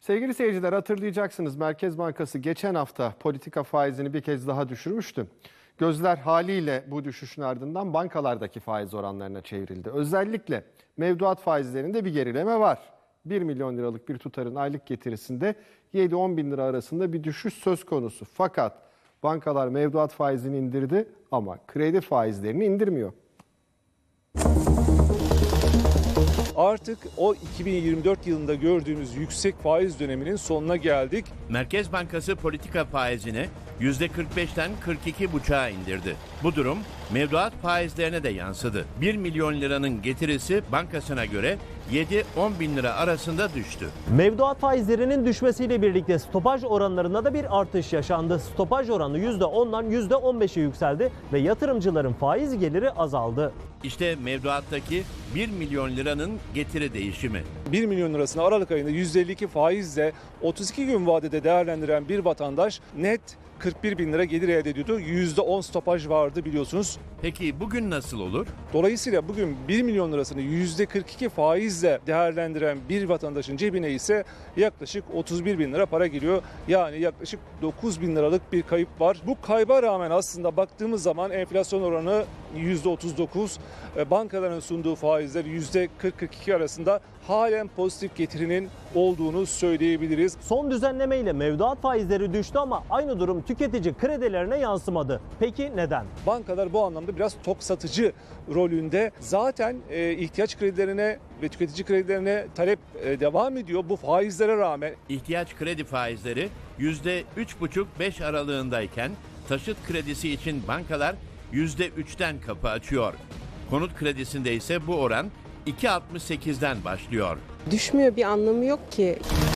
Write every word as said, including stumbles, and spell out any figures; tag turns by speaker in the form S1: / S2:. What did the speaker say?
S1: Sevgili seyirciler, hatırlayacaksınız Merkez Bankası geçen hafta politika faizini bir kez daha düşürmüştü. Gözler haliyle bu düşüşün ardından bankalardaki faiz oranlarına çevrildi. Özellikle mevduat faizlerinde bir gerileme var. bir milyon liralık bir tutarın aylık getirisinde yedi on bin lira arasında bir düşüş söz konusu. Fakat bankalar mevduat faizini indirdi ama kredi faizlerini indirmiyor.
S2: Artık o iki bin yirmi dört yılında gördüğümüz yüksek faiz döneminin sonuna geldik.
S3: Merkez Bankası politika faizini yüzde kırk beşten kırk iki buçuğa indirdi. Bu durum mevduat faizlerine de yansıdı. bir milyon liranın getirisi bankasına göre yedi on bin lira arasında düştü.
S4: Mevduat faizlerinin düşmesiyle birlikte stopaj oranlarında da bir artış yaşandı. Stopaj oranı yüzde ondan yüzde on beşe yükseldi ve yatırımcıların faiz geliri azaldı.
S3: İşte mevduattaki bir milyon liranın getiri değişimi.
S2: bir milyon lirasını Aralık ayında yüzde elli iki faizle otuz iki gün vadede değerlendiren bir vatandaş net kırk bir bin lira gelir elde ediyordu. yüzde on stopaj vardı biliyorsunuz.
S3: Peki bugün nasıl olur?
S2: Dolayısıyla bugün bir milyon lirasını yüzde kırk iki faizle değerlendiren bir vatandaşın cebine ise yaklaşık otuz bir bin lira para giriyor. Yani yaklaşık dokuz bin liralık bir kayıp var. Bu kayba rağmen aslında baktığımız zaman enflasyon oranı yüzde otuz dokuz, bankaların sunduğu faizler yüzde kırk kırk iki arasında halen pozitif getirinin olduğunu söyleyebiliriz.
S4: Son düzenlemeyle mevduat faizleri düştü ama aynı durum tüketici kredilerine yansımadı. Peki neden?
S2: Bankalar bu anlamda biraz tok satıcı rolünde. Zaten e, ihtiyaç kredilerine ve tüketici kredilerine talep e, devam ediyor bu faizlere rağmen.
S3: İhtiyaç kredi faizleri yüzde üç buçuk beş aralığındayken taşıt kredisi için bankalar yüzde üçten kapı açıyor. Konut kredisinde ise bu oran iki altmış sekizden başlıyor.
S5: Düşmüyor, bir anlamı yok ki.